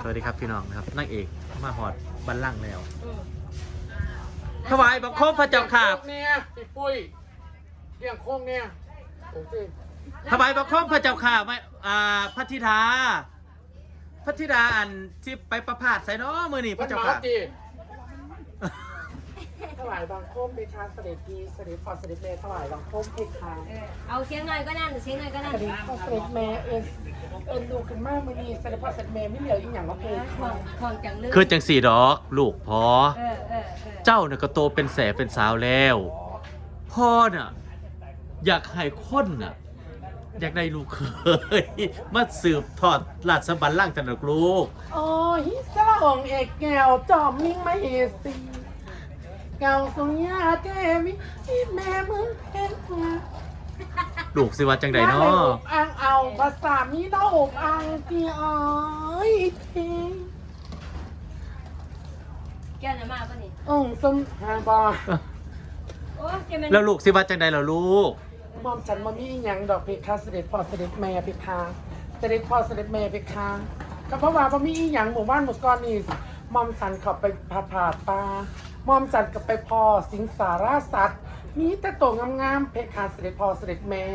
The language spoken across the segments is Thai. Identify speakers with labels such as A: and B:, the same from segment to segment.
A: วัสดีครับพี่น้องนะครับนางเอกมาหอดบัลลังก์แล้วถวายบังคมพระเจ้าข่า
B: เนี่ยพี่ปุ้ยเลี้ยงโค้งเนี่ยโอเค
A: ถวายบังคมพระเจ้าข่าไม่พระธิดาอันที่ไปประพาสใส่น้อมือนี่พระเจ้าข่า
B: ถวายบังคมเพคาเสด็จพีเสด็จพอเสด็จแม่ถวายบังคมเพคา
C: เอาเสียงหน่อยก็นั่นเสียงหน่อยก็นั่น
B: เสด็จพอเสด็จแม่ดูขึ้นมากมือนี้เสด็จพอเสด็จแม่ไม่เหลืออีกอย่างว่าเพคา
C: ของจังเลย
A: คือจังสี่ดอกลูกพ่อเจ้าเนี่ยก็โตเป็นแสเป็นสาวแล้วพ่อน่ะอยากให้คนน่ะอยากได้ลูกเคยมาสืบทอดราชบัลลังก์จันทร์ลูก
B: โอ้ยสระองเอกแก้วจอมมิ่งไม่เอซีเก่าสงยาเทวิแม่มึงเพคา
A: ลูกสิว่าจังใดเนาะ
B: อ่างเอาภาษามีน้าอกอ่างที่อ้อยเท
C: แก้วจะมาป่ะนี่
B: สมหาบา
A: แล้วลูกสิว่าจังใดล่ะลูก
B: มอมฉันมามีอย่างดอกเพคาเสด็จพ่อเสด็จแม่เพคาเสด็จพ่อเสด็จแม่เพคาก็เพราะว่ามีอย่างหมู่บ้านหมู่ก้อนนี่มอมฉันขับไปผ่าปลามอมฉันกับไปพ่อสิงสาราสัตว์มีแต่โตงามๆเพคาเสด็จพ่อเสด็จแม่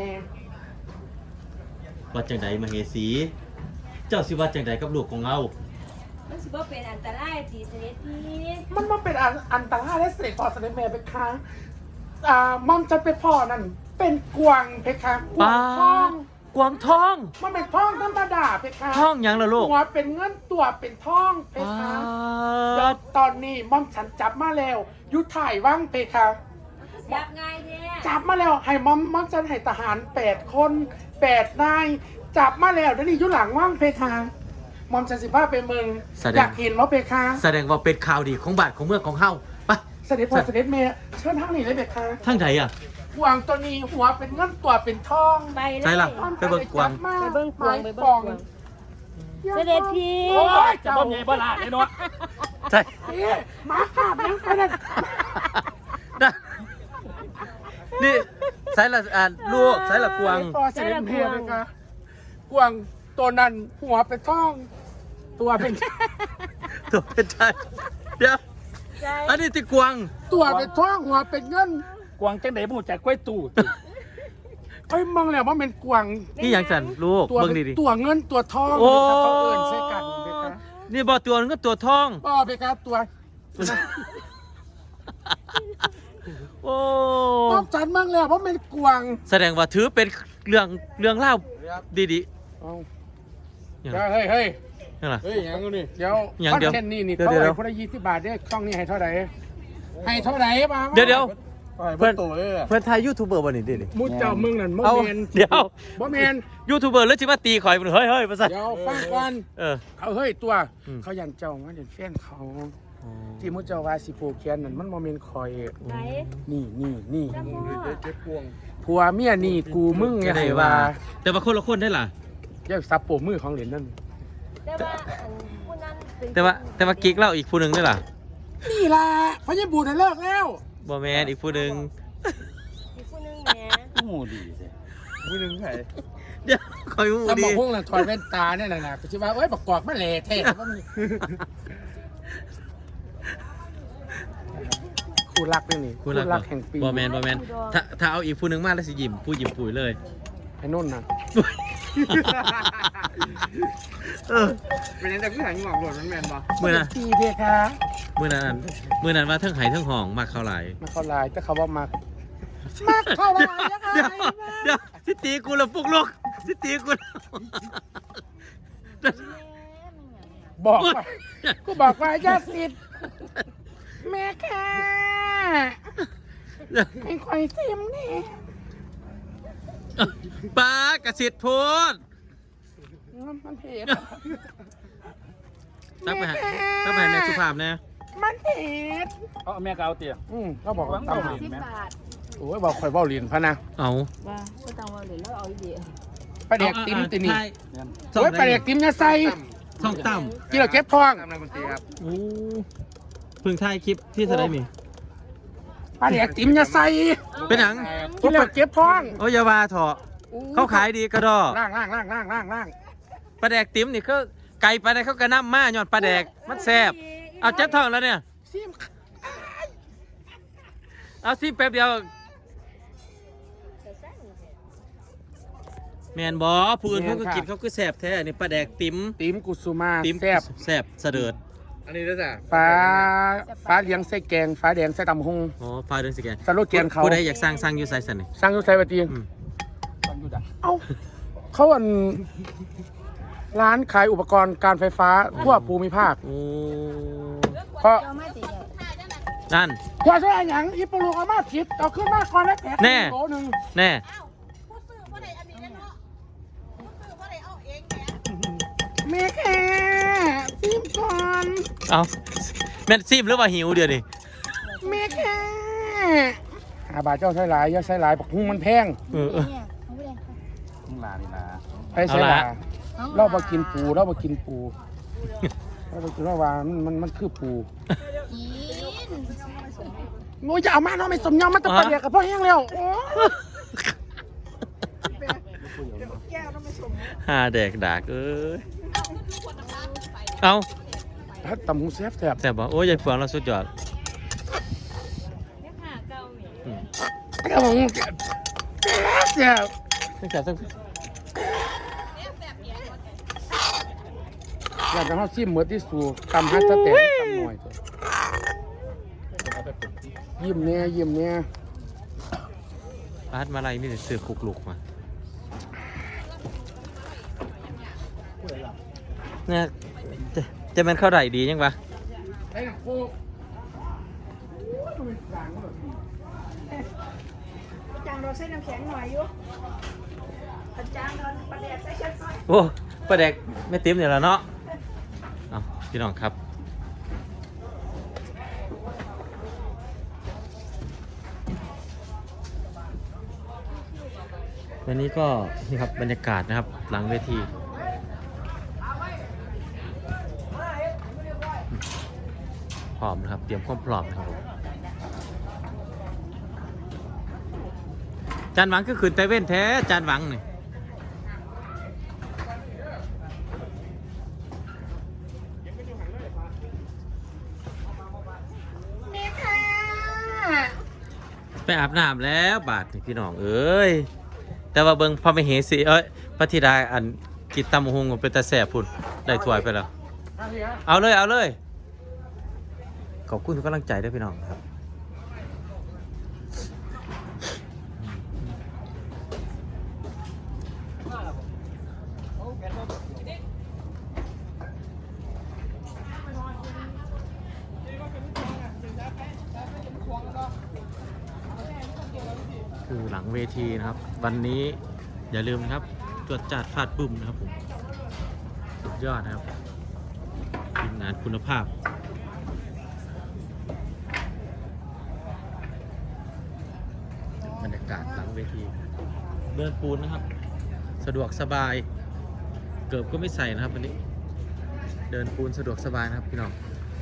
A: ว่าจังใดมเหสีเจ้าสิว่าจังใดกับลูกของเรา
C: มันสิบ่เป็นอันตรายตีเสด็จพี่
B: มันมาเป็นอันตรายและเสด็จพ่อเสด็จแม่เพคามอมฉันไปพ่อนั่นเป็นกวางเพคะกวางทอง
A: กวางทอง
B: มันเป็นทองธรรมดาเพคะ
A: ทองยังล่ะลูก
B: หัวเป็นเงินตัวเป็นทองเพคะตอนนี้ม่อมฉันจับมาแล้วยุทธถ่ายว่างเพคะ
C: จับง่ายแท้
B: จับมาแล้วให้ม่อมฉันให้ทหาร8 คน8 นายจับมาแล้วเดี๋ยวนี้ยุหลังว่างเพคะม่อมฉันสิบ้าไปเมืองอยากเห็นว่าเพคะ
A: แสดงว่าเป็นข่าวดีของบ้านของเมืองของเฮาไป
B: เสด็จพ่อเสด็จแม่เชิญทางนี้เลยเพคะ
A: ทางไหนอ่ะ
B: กวางตัวนี้หัวเป็นเงินตัวเป็นทอง
C: ไปเลย
A: ใช่ล่ะไปเบิ่งกวาง
C: ไปเบิ่งกวางไปเบิ่งกวางเสด็จพี่
B: โอ้ยจะบ่มีบ่ล่ะไอ้น้อย
A: ใช่
B: มาขาบยังไปนั่น
A: นี่ใช่ละลูกใช่ละกวาง
B: เสด็จแม่เลยค่ะกวางตัวนั้นหัวเป็นทองตัวเป็น
A: ใช่เดี๋ยวอันนี้ที่กวาง
B: ตัวเป็นทองหัวเป็นเงิน
D: กวางจังไดบ่จักกล้วยตู่
B: เอ้ยมองแล้วว่าเป็นกวาง
A: นี่อย่างสันลูกเบิ่งดิ
B: ตัวเงินตัวทองเขาเอิ้นใช่กันเด้อ
A: นี่บ่ตัวเงินตัวทอง
B: บ่ไปครับตัว
A: โอ้
B: มองจันมั่งแล้วว่าเป็นกวาง
A: แสดงว่าถือเป็นเรื่องเล่าดี
B: ๆเฮ้ย
D: นั่นล่ะยังนี่
B: เดี๋ยวคอนเทนต์นี่เท่าไหร่คนละ20 บาทเด้อช่องนี้ให้เท่าไหร่มา
A: เดี๋ยวเพื่อนไทยยูทูบเบอร์บ่นี่ดิ
B: มุดเจ้ามึงนั่นบ่แม่น
A: เดี๋ยว
B: บ่แม่น
A: ยูทูบเบอร์แล้วสิมาตีข่อยเฮ้ยภาษา
B: เดี๋ยวฟังก่อนเขาเฮ้ยตัวเขายันเจ้ามาเด่นแฟนเขาที่มุดเจ้าว่าสิผูกแขนนั่นมันบ่แม่นข่อยนี่เจ็บพวงผัวเมียนี่กูมึงไงว่า
A: แต่ว่าคนละคนได้ล่ะ
B: เรียกซับโปมือของเหรียญนั่น
A: แต่ว่ากิ๊กเล่าอีกผู้นึงได้ล่ะ
B: นี่ล่ะพญบูน่ะเลิกแล้ว
A: บ่แม่นอีกผู้นึง
C: แหม
D: โอ้ดีแท้
B: ผู้นึงไผ
A: เดี๋ยวคอยฮู้ดี
B: สมองพวกน่ะถอดแว่นตาเนี่ยน่ะก็สิว่าเอ้ยบักกอกมาแหล่แท้คู่รักนี่คู่รักแห่งปี
A: บ่แม่นถ้าเอาอีกผู้นึงมาแล้วสิยิ้มผู้ยิ้มปุ๋ยเลย
B: ไอ้นุ่นน่ะเป็นยังไงคือหางงอกหลดมันแม่นบ่
A: มื้อน่ะ
B: ตีเพคะ
A: มื้อนั้นว่าเทิงไห้เทิงห้องมักเข้าหลาย
B: แต่เขาบ่มักเข้าหลายนะคะ
A: เดี๋ยวสิตีกูละปุกลูกสิตีกู
B: บอกว่าอย่าสิทธิ์แม่ค่ะให้ข่อยซิมนี่
A: ป้ากระสิทธิ์พูด
B: มันเผ็ด
A: ตั้งไปแม่สุภาพนะ
B: มันเผ็ด
D: แม่ก็เอาเตี๋ย
B: เขาบอกว่าต้อง
C: 10 บาท
B: โอ้ยบอกข่อยเว้าเหรียญพะนะ
A: เอา
C: ว่าก็ต้องเว้าเหรียญแล้วเอาอีเดีย
B: ปลาแดกติ้มตินี่โอ้ยปลาแดกติ้มอย่าใส่
A: ช่องต่ำ
B: กินแล้วเก็บท้อง
A: โอ้เพิ่งถ่ายคลิปที่แสดงนี่
B: ปลาแดกติ้มอย่าใส่
A: เป็นหนัง
B: กินแล้วเก็บท้อง
A: โอ้ยอย่าว่าเถอะเขาขายดีกระดอ
B: ล่าง
A: ปลาแดกติ้มนี่ก็ไก่ปลาแดกเขากระน้ำมาหยอดปลาแดกมันแซ่บเอาเจ็บท้องแล้วเนี่ย
B: ซิม
A: เอาซิแป๊บเดียวแมนบอผู้อื่นเขาก็กินเขาก็แซ่บแท้นี่ปลาแดกติ๋ม
B: ติ๋มกุสุมา
A: ติ๋ม
B: แซ่บ
A: แซ่บเสดิร์ด
D: อันนี้ด้วยจ้ะ
B: ฟ้าเลี้ยงไส้แกงฟ้าแดงไส้ตำหง
A: อ๋อฟ้าเดือนสิแกน
B: สโลแกนเขา
A: ผู้ใดอยากสร้างอยู่ไซสันนี่
B: สร้างยุทธไซบัตี
A: อืม
B: เอ้าเขาร้านขายอุปกรณ์การไฟฟ้าทั่วภูมิภาค
A: โอ้
B: เพราะ
C: เอามาติเลย
A: นั่น
B: กว่าจะได้หยังอีปลูกเอามาผิดเอาขึ้นมาก่อนแล้วแผล
A: แน่
B: โลนึง
A: แน่
E: ผู้ซื้อบ่ได้อันนี้แน่เนาะผู้ซื้อบ่ได้เอาเองแหม
B: แม่แค่ซิมก่อน
A: เอาแม่นซิมหรือว่าหิวเดี๋ยวนี้
B: แม่แค่บาทเจ้าใช้หลายอย่าใช้หลายปักหุ้งมันแพง
A: เออ
C: เนี่ยเอาไปเลย
D: มึงลานี่นะ
B: ไปใช้หลายเราบ่กินปูเราบ่กินปูเราบ่กินว่ามันคือปู
C: กิน
B: โอ้ยจะเอามาเนาะไม่สมยอมมันจะไปเดียกับพ่อแห้งแล้วโอ้
A: หาแดกดากเอ้ยเอา
B: ถ้าตำหูแซ่บแซ่บ
A: แซ่บบ่โอ้ยยายเฟืองเราสุดยอดอืม
B: ตำหูแซ่บแซ่บ
A: ไม่แซ่บสัก
B: อยากจะให้ซิมเหมือนที่สูตำให้สเต็กตำหน่อยเถอะยิ้มเนี่ยยิ้มเนี่ย
A: ปาดมาลัยมีแต่ซื้อคุกลุกมาเนี่ยจะเป็นข้าวไหร่ดียังปะ
B: ไอ้โคก
E: จางเราใส่น้ำแข็งหน่อยอยู่อาจารย์นอนประเดี๋ยวใส่เช็ดหน่อย
A: โอ้ปลาแดกไม่ติ้มเนี่ยแล้วเนาะเอาพี่น้องครับวันนี้ก็นี่ครับบรรยากาศนะครับหลังเวทีพร้อมนะครับเตรียมความพร้อมนะครับผมจานหวังก็ขืนไตเว้นแท้จานหวังนี่
B: แม่ค่ะ
A: ไปอาบน้ำแล้วบาทนี่พี่น้องเอ้ยแต่ว่าเบิ่งพอไปเหสีเอ้ยพระธิดาอันกินตำหงเป็นตาแสบพุ่นได้ถ้วยไปแล้ว เอาเลยเอาเลยขอบคุณทุกกำลังใจด้วยพี่น้องครับคือหลังเวทีนะครับ วันนี้อย่าลืมนะครับจวดจัดฟาดบึ้มนะครับผมสุดยอดนะครับทีมงานคุณภาพบรรยากาศหลังเวทีเดินปูนนะครับสะดวกสบายเกือบก็ไม่ใส่นะครับวันนี้เดินปูนสะดวกสบายนะครับพี่น้อง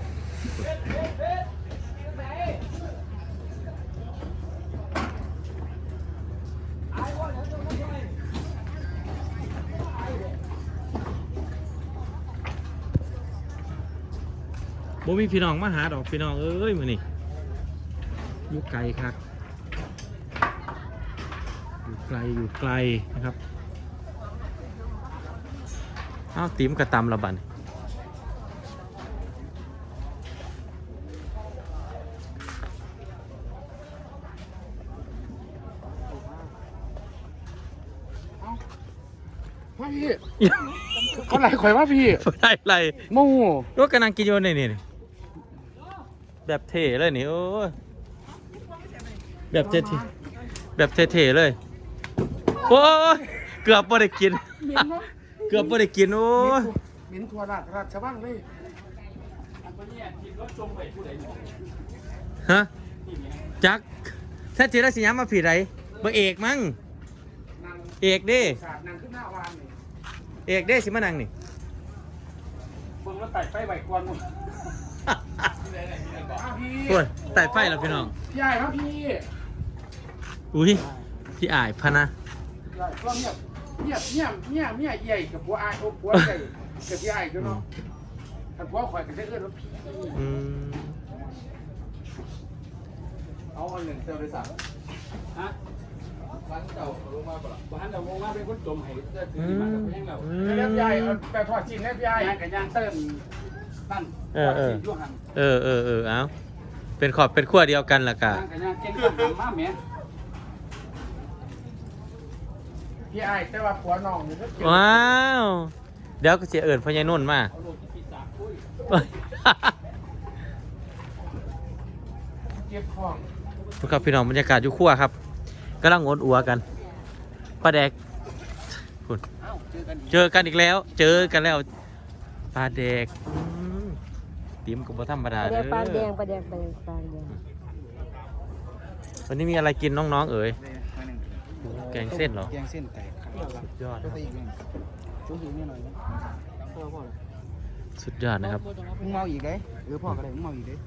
A: บ่มีพี่น้องมาหาดอกพี่น้องเอ้ยมื้อนี้อยู่ไกลครับอยู่ไกลนะครับอ้าวติ๋มกระตำละบัน
B: ว่าพี่เขาไหลข่อยว่าพี่
A: ได้ไร
B: โมโห
A: ก็กำลังกินอยู่นี่แบบเท่เลยนี่โอ้ยแบบเท่แบบเท่ๆเลยโอ้ยเกือบไม่ได้กิน
B: เหม็นเนาะ
A: เกือบไม่ได้กินโอ้ย
B: เหม็นทั่วราชบ้างเลย
A: ฮะจักแท้จริงแล้วสิย้ำมาผิดไรเบอร์เอกมั้ง
B: นาง
A: เอกเด้
B: ศาสตร์นางขึ้นหน้าวานนี่
A: เอกเด้สิมานั่งนี่
D: เบิ่งแล้วไต่ไฟไหวกวนมึง
B: พี่
A: โอ้ยไต่ไฟแล้วพี่น้อง
B: พี่ใหญ่ครับพี่
A: อุ้ยพี่อายพะนะ
B: ใหญ่ก็เมียใหญ่กับผัวอายผัวใหญ่เก็บพี่ไอ้ด้วยเนาะแต่พวกข่อยก็ได้เอื้อนว่าพี่
A: อืม
D: เอาอันหนึ่งเซลล์เลยสั่งฮะร้านเก่าลงมาเปล่าร้านเก่าลงมาเป็นคนจมให้เสื้อถือมาจากเพียงเรา
B: เล็บใหญ่ไปทอดจีนเล็บใหญ่
D: ย่างกับย่างเติ้ลนั่นยั่วหัน
A: เอาเป็นขอบเป็นขั้วเดียวกันล่ะกะ
D: ย่างกับย่างเก่งกับทำมาแม่
B: พี่ไอ้แต่ว่าผัวน้องนี่ก็เก็บ
A: ว้าวเดี๋ยวก็เสียเอิญพ่อใหญ่นุ่นมา
D: เอาโลที่ปีศาจคุย
B: เก็บของ
A: ทุกครับพี่น้องบรรยากาศอยู่ขั้วครับกำลังโอนอัวกันปลาแดกคุณ
D: เอ้าเจอกันอีก
A: เจอกันอีกแล้ว เจอกันแล้วปลาแดกติ๋มกับบ่ธรรมดา
C: ปลาแด
A: เด้
C: งปลาแด
A: อง
C: ปลาแดงปลาแดงปลาแดง
A: วันนี้มีอะไรกินน้องๆเอ๋ย
D: มาหนึ่ง
A: แกงเส้นเหรอ
D: แกงเส้นแตกครับ
A: สุดยอด
D: ก็
A: ครับ
D: ไปอีกหนึ่งช่วยหิวนิดหน่อยนะพ่อเลย
A: สุดยอดนะครับ
D: มึงเมาอีกได้พ่อก็ได้มึงเมาอีกได้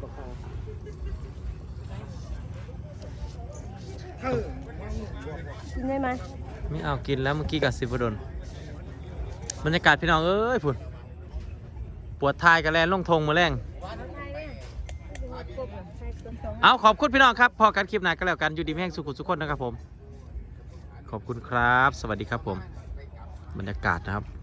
C: กินได้ไหม
A: ไม่เอากินแล้วเมื่อกี้กับสิบดลบรรยากาศพี่น้องเอ้ยพุ่นปวดทายกันแลนลงทงมาแรงเอาขอบคุณพี่น้องครับพอกันคลิปหน้าก็แล้วกันอยู่ดีมีแห่งสุขุมสุขคนนะครับผมขอบคุณครับ สวัสดีครับผมบรรยากาศนะครับ